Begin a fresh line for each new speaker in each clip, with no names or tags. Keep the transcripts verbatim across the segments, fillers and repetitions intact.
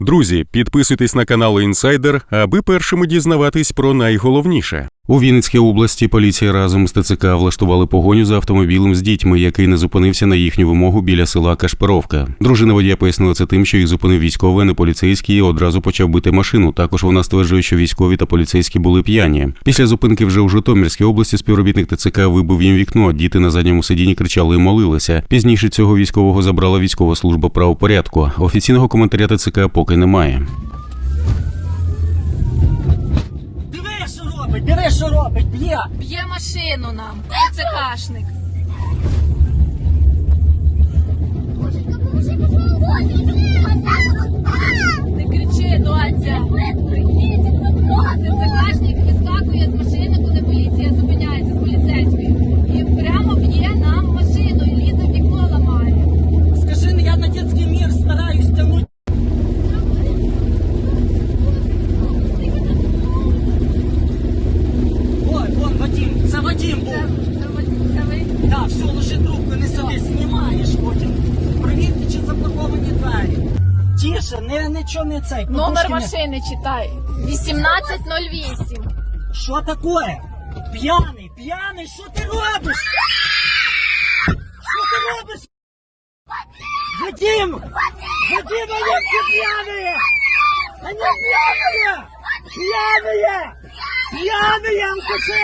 Друзі, підписуйтесь на канал Інсайдер, аби першими дізнаватись про найголовніше. У Вінницькій області поліція разом з ТЦК влаштували погоню за автомобілем з дітьми, який не зупинився на їхню вимогу біля села Кашпировка. Дружина водія пояснила це тим, що їх зупинив військовий, а не поліцейський, і одразу почав бити машину. Також вона стверджує, що військові та поліцейські були п'яні. Після зупинки вже у Житомирській області співробітник ТЦК вибив їм вікно, діти на задньому сидінні кричали і молилися. Пізніше цього військового забрала військова служба правопорядку. Офіційного коментаря ТЦК поки немає.
Диви, що робить, б'є!
Б'є машину нам, ТЦКшник. Не кричи, доця. ТЦКшник вискакує з машини, коли поліція зупиняється з поліцейською. І прямо б'є нам машину, і лізе в вікно ламає.
Скажи, я на дитячий мір стараюсь тягнути. Це Вадим був.
Це, це, це ви?
Так, все, ложи трубку, не сиди, знімаєш потім. Провірте, чи заблоковані двері. Тише, не, нічого не цей.
Номер
не...
машини читай. вісімнадцять нуль вісім.
Що таке? П'яний, п'яний, що ти робиш? Що ти робиш? Вадим! Вадим, они все пьяные! Они пьяные! Пьяные! П'яний, алкаши!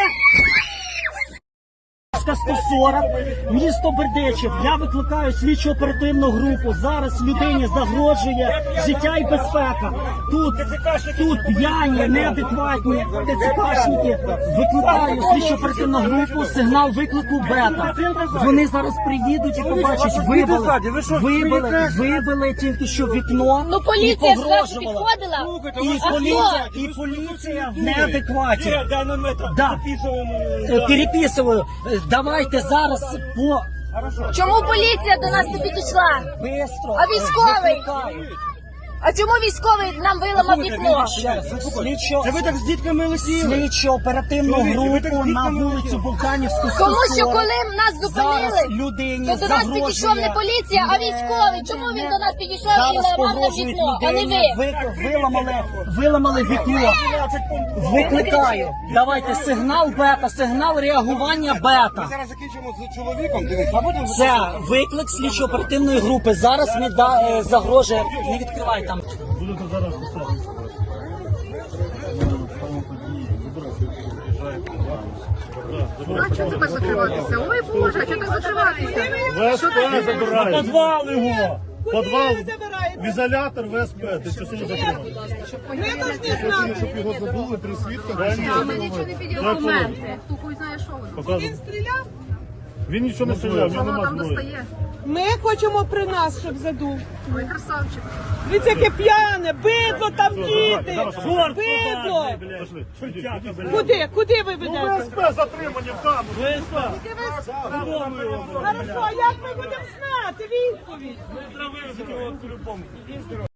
сто сорок, місто Бердичів. Я викликаю слідчо оперативну групу. Зараз людині загрожує життя і безпека. Тут, тут п'яні, неадекватні ТЦКшники. Викликаю слідчо оперативну групу, сигнал виклику бета. Вони зараз приїдуть і побачать, вибили, вибили, вибили тільки що вікно.
Ну поліція зразу підходила.
І поліція, і поліція в неадекваті. Да. Переписую. Давайте зараз по...
Чому поліція до нас не підійшла?
Бистро.
А військовий? А чому військовий нам виламав вікно?
Слідчо...
Це ви так з дітками летіли?
Слідчо оперативну групу на вулицю Булканівську сто сорок.
Тому що коли нас зупинили,
людині
то до нас
загрожує...
підійшов не поліція, а військовий. Чому він до нас підійшов і
Зараз
ламав нам
погрожують
вікно, а не
людині,
ви?
ви- виламали, виламали вікно. Викликаю. Давайте сигнал бета, сигнал реагування бета.
Зараз закінчимо з чоловіком, дивись, а потім...
Це виклик слідчо-оперативної групи. Зараз не да, е, загрожує, не відкривай там.
Будете зараз писати.
А чого тебе закриватися? Ой, Боже, а чого так закриватися?
ВСП забирає. Подвал його. Подвал, в ізолятор ВСП. Ти що сьогодні закриваєш?
Ми повинні знати.
Щоб його забули, три свідка.
А ми нічого не підійшли. Документи. Хто хуй знає, що воно.
Він стріляв? Він нічого не стріляв, в нього
Воно
нема
там
зброї.
достає.
Ми хочемо при нас, щоб задув.
Ой, красавчик.
Дивіться, яке п'яне, бидло там діти, бидло.
Пошли.
Куди, куди ви
Ну,
ведете?
ВСП затримані в камеру. ВСП.
Хорошо, а як ми будемо знати відповідь?
Ми зробили по-любому.